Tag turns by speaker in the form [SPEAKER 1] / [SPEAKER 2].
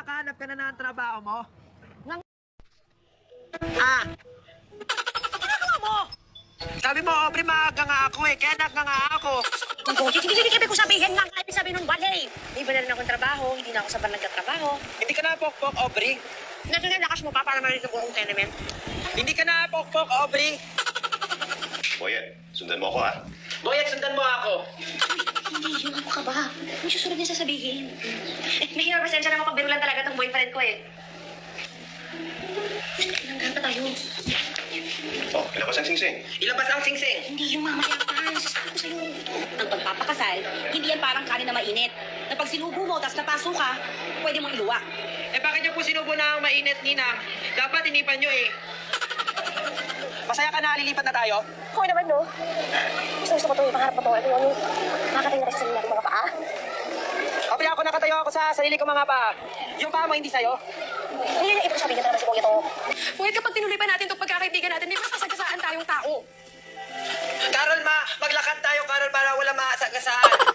[SPEAKER 1] Nakahanap ka na ng trabaho mo?
[SPEAKER 2] Ginagawa mo?
[SPEAKER 1] Sabi mo, Aubrey, maaga nga ako eh. Kaya nga ako.
[SPEAKER 2] Hindi ibig ko sabihin nga kahit sabihin nung wale. May iba na rin akong trabaho, hindi na ako sa bar nagtatrabaho.
[SPEAKER 1] Hindi ka na pokpok, Aubrey.
[SPEAKER 2] Nandiyan yung lakas mo pa para marinig ang buong tenement.
[SPEAKER 1] Hindi ka na pokpok, Aubrey.
[SPEAKER 3] Boyet, sundan mo ako ha.
[SPEAKER 1] Boyet, sundan mo ako.
[SPEAKER 2] Hindi, yung ano ka ba? May susunod niya sasabihin. Mahirap, pasensya na mapagbiro lang talaga itong boyfriend ko eh. Nanggahan pa tayo.
[SPEAKER 3] Oh, ilabas ang singsing.
[SPEAKER 1] Ilabas ang singsing.
[SPEAKER 2] Hindi yung mamaya pa. Sasabi ko sa'yo. Ang pagpapakasal, hindi yan parang kanin na mainit. Na pag sinubo mo, tapos napaso ka, pwede mong iluwa.
[SPEAKER 1] Eh bakit niyo po sinubo na ang mainit, Ninang? Dapat inipan niyo eh. Masaya ka na, lilipat na tayo?
[SPEAKER 2] Okay naman, no? Gusto ko to, pangarap ko to. Ano yun? Makakatayo na rin sa sarili natin mga paa.
[SPEAKER 1] Aubrey, ako nakatayo ako sa sarili ko mga paa. Yung paa mo hindi sa'yo?
[SPEAKER 2] Hindi yung ibig sabihin na naman si Kuya to.
[SPEAKER 4] Ngunit kapag tinuloy pa natin itong pagkakaibigan natin, may masasagasaan tayong tao.
[SPEAKER 1] Carol, maglakad tayo, Carol, para wala maasagasaan.